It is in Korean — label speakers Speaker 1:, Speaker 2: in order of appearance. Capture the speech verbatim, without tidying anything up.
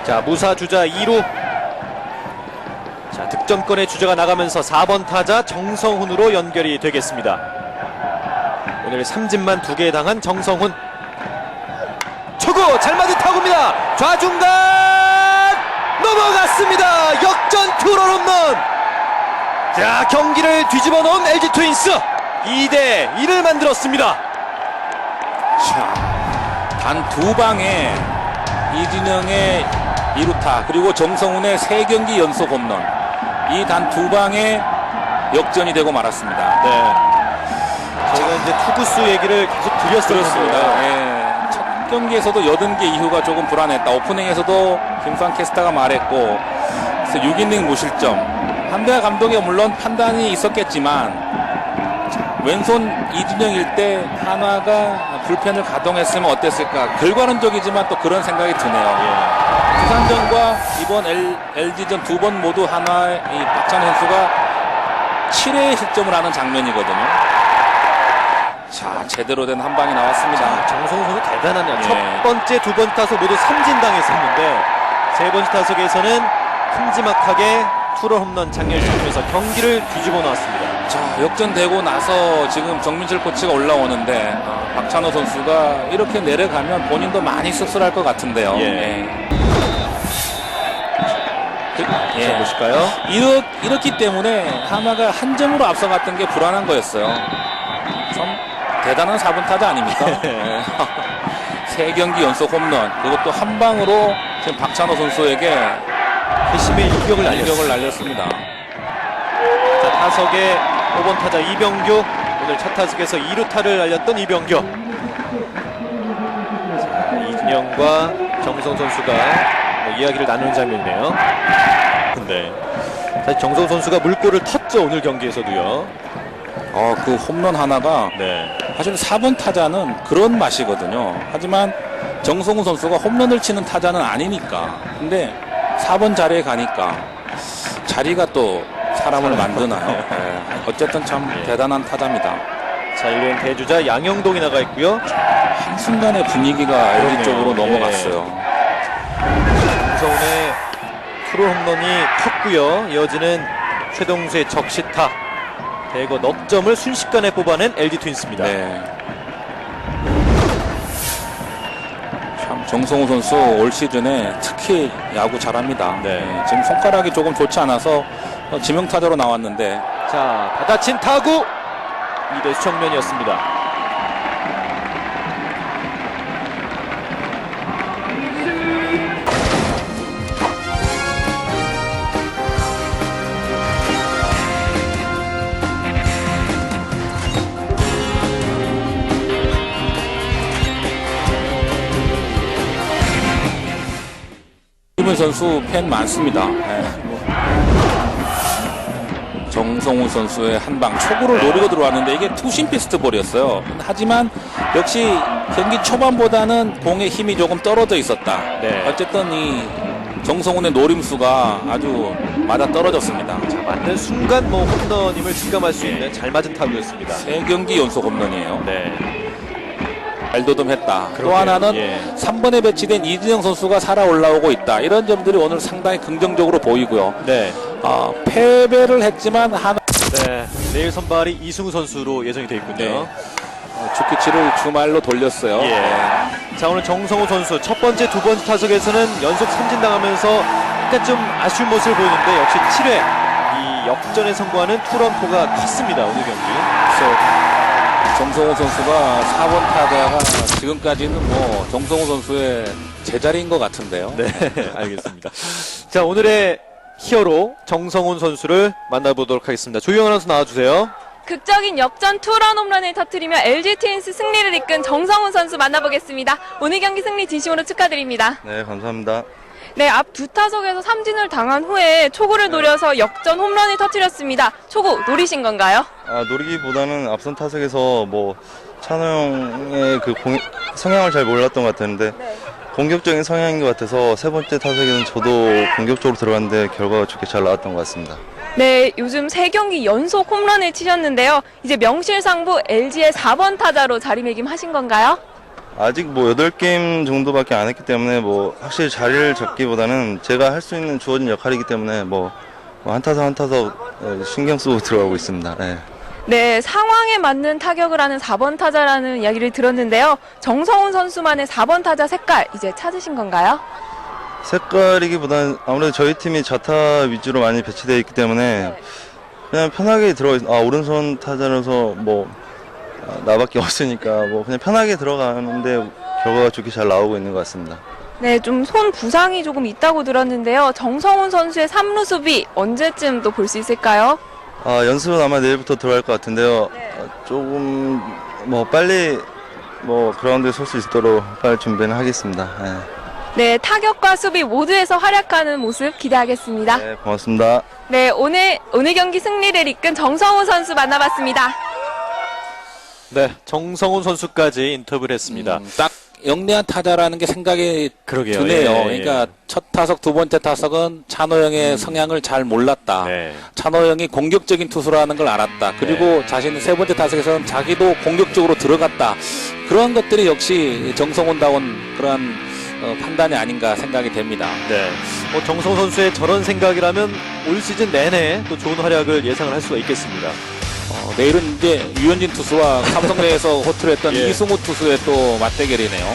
Speaker 1: 자, 무사 주자 이 루. 자, 득점권의 주자가 나가면서 사 번 타자 정성훈으로 연결이 되겠습니다. 오늘 삼진만 두 개 당한 정성훈. 초구 잘 맞은 타구입니다. 좌중간 넘어갔습니다. 역전 투런 홈런. 자, 경기를 뒤집어 놓은 엘지 트윈스 이 대 일을 만들었습니다.
Speaker 2: 자, 단 두 방에 이진영의 이 루타 그리고 정성훈의 세 경기 연속 홈런, 이 단 두 방에 역전이 되고 말았습니다.
Speaker 1: 네. 저희가 이제 투구수 얘기를 계속 드렸었습니다.
Speaker 2: 예. 첫 경기에서도 여든 개 이후가 조금 불안했다. 오프닝에서도 김수환 캐스터가 말했고, 그래서 육 이닝 무실점. 한대하 감독이 물론 판단이 있었겠지만 왼손 이준영일 때 한화가 불펜을 가동했으면 어땠을까. 결과론적이지만 또 그런 생각이 드네요. 예. 두산전과 이번 엘지전 두 번 모두 한화의 이 박찬호 선수가 칠 회에 실점을 하는 장면이거든요. 자, 제대로 된 한 방이 나왔습니다.
Speaker 1: 정성훈 선수 대단하네요.
Speaker 2: 예.
Speaker 1: 첫 번째, 두 번째 타석 모두 삼진 당했었는데 세 번째 타석에서는 큼지막하게 투런 홈런 장렬 시키면서 경기를 뒤집어 놨습니다.
Speaker 2: 자, 역전되고 나서 지금 정민철 코치가 올라오는데 아, 박찬호 선수가 이렇게 내려가면 본인도 많이 씁쓸할 것 같은데요.
Speaker 1: 예.
Speaker 2: 예. 그,
Speaker 1: 자, 보실까요?
Speaker 2: 이렇, 이렇기 때문에 하나가 한 점으로 앞서갔던 게 불안한 거였어요. 참 대단한 사 번 타자 아닙니까? 예. 세 경기 연속 홈런, 그것도 한 방으로 지금 박찬호 선수에게
Speaker 1: 회심의 일격을 날렸습니다.
Speaker 2: 일격을 날렸습니다.
Speaker 1: 자, 타석에 오 번 타자 이병규, 오늘 첫 타석에서 이 루타를 날렸던 이병규. 자, 이준영과 정성 선수가 뭐 이야기를 나누는 장면이네요. 근데 사실 정성 선수가 물꼬를 텄죠, 오늘 경기에서도요.
Speaker 2: 어, 그 홈런 하나가
Speaker 1: 네.
Speaker 2: 사실 사 번 타자는 그런 맛이거든요. 하지만 정성훈 선수가 홈런을 치는 타자는 아니니까. 근데 사 번 자리에 가니까 자리가 또 사람을 만드나요? 네. 어쨌든 참
Speaker 1: 예.
Speaker 2: 대단한 타자입니다.
Speaker 1: 자, 일 루엔 대주자 양영동이 나가 있고요.
Speaker 2: 한순간에 분위기가 엘지
Speaker 1: 그러네요.
Speaker 2: 쪽으로
Speaker 1: 예.
Speaker 2: 넘어갔어요.
Speaker 1: 정성훈의 투런 홈런이 컸고요. 이어지는 최동수의 적시타. 대거 넉 점을 순식간에 뽑아낸 엘지 트윈스입니다.
Speaker 2: 네. 참 정성훈 선수 올 시즌에 특히 야구 잘합니다.
Speaker 1: 네.
Speaker 2: 네. 지금 손가락이 조금 좋지 않아서 지명타자로 나왔는데,
Speaker 1: 자, 받아친 타구 이 대 수정면이었습니다.
Speaker 2: 김은 선수 팬 많습니다. 네. 정성훈 선수의 한방 초구를 노리고 들어왔는데 이게 투심 피스트볼이었어요. 하지만 역시 경기 초반보다는 공의 힘이 조금 떨어져 있었다.
Speaker 1: 네.
Speaker 2: 어쨌든 이 정성훈의 노림수가 아주 맞아 떨어졌습니다.
Speaker 1: 자, 맞는 순간 뭐 홈런임을 직감할 수 있는 잘 맞은 타구였습니다.
Speaker 2: 세 경기 연속 홈런이에요.
Speaker 1: 네.
Speaker 2: 발도듬했다. 또
Speaker 1: 그러게요.
Speaker 2: 하나는
Speaker 1: 예.
Speaker 2: 삼 번에 배치된 이진영 선수가 살아 올라오고 있다. 이런 점들이 오늘 상당히 긍정적으로 보이고요.
Speaker 1: 네.
Speaker 2: 어, 패배를 했지만 하나
Speaker 1: 네. 내일 선발이 이승우 선수로 예정이 되어 있군요.
Speaker 2: 네. 어, 주키치를 주말로 돌렸어요.
Speaker 1: 예.
Speaker 2: 네.
Speaker 1: 자, 오늘 정성호 선수 첫 번째, 두 번째 타석에서는 연속 삼진 당하면서 약간 좀 아쉬운 모습을 보이는데 역시 칠 회 이 역전에 성공하는 투런포가 컸습니다, 오늘 경기.
Speaker 2: 그래서 정성호 선수가 사 번 타자가 지금까지는 뭐 정성호 선수의 제자리인 것 같은데요.
Speaker 1: 네, 알겠습니다. 자, 오늘의 히어로 정성훈 선수를 만나보도록 하겠습니다. 조희영 아나운서 나와주세요.
Speaker 3: 극적인 역전 투런 홈런을 터뜨리며 엘지 트윈스 승리를 이끈 정성훈 선수 만나보겠습니다. 오늘 경기 승리 진심으로 축하드립니다.
Speaker 4: 네, 감사합니다.
Speaker 3: 네, 앞 두 타석에서 삼진을 당한 후에 초구를 노려서 역전 홈런을 터뜨렸습니다. 초구 노리신 건가요?
Speaker 4: 아, 노리기보다는 앞선 타석에서 뭐 찬호 형의 그 공, 성향을 잘 몰랐던 것 같았는데
Speaker 3: 네.
Speaker 4: 공격적인 성향인 것 같아서 세 번째 타석에는 저도 공격적으로 들어갔는데 결과가 좋게 잘 나왔던 것 같습니다.
Speaker 3: 네, 요즘 세 경기 연속 홈런을 치셨는데요. 이제 명실상부 엘지의 사 번 타자로 자리매김하신 건가요?
Speaker 4: 아직 뭐 여덟 게임 정도밖에 안 했기 때문에 뭐 확실히 자리를 잡기보다는 제가 할 수 있는 주어진 역할이기 때문에 뭐, 뭐 한타석 한타석 예, 신경 쓰고 들어가고 있습니다. 예.
Speaker 3: 네, 상황에 맞는 타격을 하는 사 번 타자라는 이야기를 들었는데요. 정성훈 선수만의 사 번 타자 색깔 이제 찾으신 건가요?
Speaker 4: 색깔이기보다는 아무래도 저희 팀이 좌타 위주로 많이 배치되어 있기 때문에
Speaker 3: 네.
Speaker 4: 그냥 편하게 들어가 있, 아 오른손 타자라서 뭐 아, 나밖에 없으니까 뭐 그냥 편하게 들어가는데 결과가 좋게 잘 나오고 있는 것 같습니다.
Speaker 3: 네, 좀 손 부상이 조금 있다고 들었는데요. 정성훈 선수의 삼 루 수비 언제쯤 또 볼 수 있을까요?
Speaker 4: 아 연습은 아마 내일부터 들어갈 것 같은데요.
Speaker 3: 네.
Speaker 4: 아, 조금 뭐 빨리 뭐 그라운드에 설 수 있도록 빨리 준비는 하겠습니다.
Speaker 3: 네, 타격과 수비 모두에서 활약하는 모습 기대하겠습니다.
Speaker 4: 네, 네 고맙습니다.
Speaker 3: 네, 오늘 오늘 경기 승리를 이끈 정성훈 선수 만나봤습니다.
Speaker 1: 네, 정성훈 선수까지 인터뷰를 했습니다.
Speaker 2: 음, 딱 영리한 타자라는 게 생각이
Speaker 1: 그러게요.
Speaker 2: 드네요.
Speaker 1: 예, 예.
Speaker 2: 그러니까 첫 타석, 두 번째 타석은 찬호 형의 성향을 잘 몰랐다.
Speaker 1: 네.
Speaker 2: 찬호 형이 공격적인 투수라는 걸 알았다. 그리고
Speaker 1: 네.
Speaker 2: 자신은 세 번째 타석에서는 자기도 공격적으로 들어갔다. 그런 것들이 역시 정성훈다운 그런 어, 판단이 아닌가 생각이 됩니다.
Speaker 1: 네. 뭐 정성훈 선수의 저런 생각이라면 올 시즌 내내 또 좋은 활약을 예상을 할 수가 있겠습니다.
Speaker 2: 어, 내일은 이제 유현진 투수와 삼성 내에서 호투를 했던
Speaker 1: 예.
Speaker 2: 이승우 투수의 또 맞대결이네요.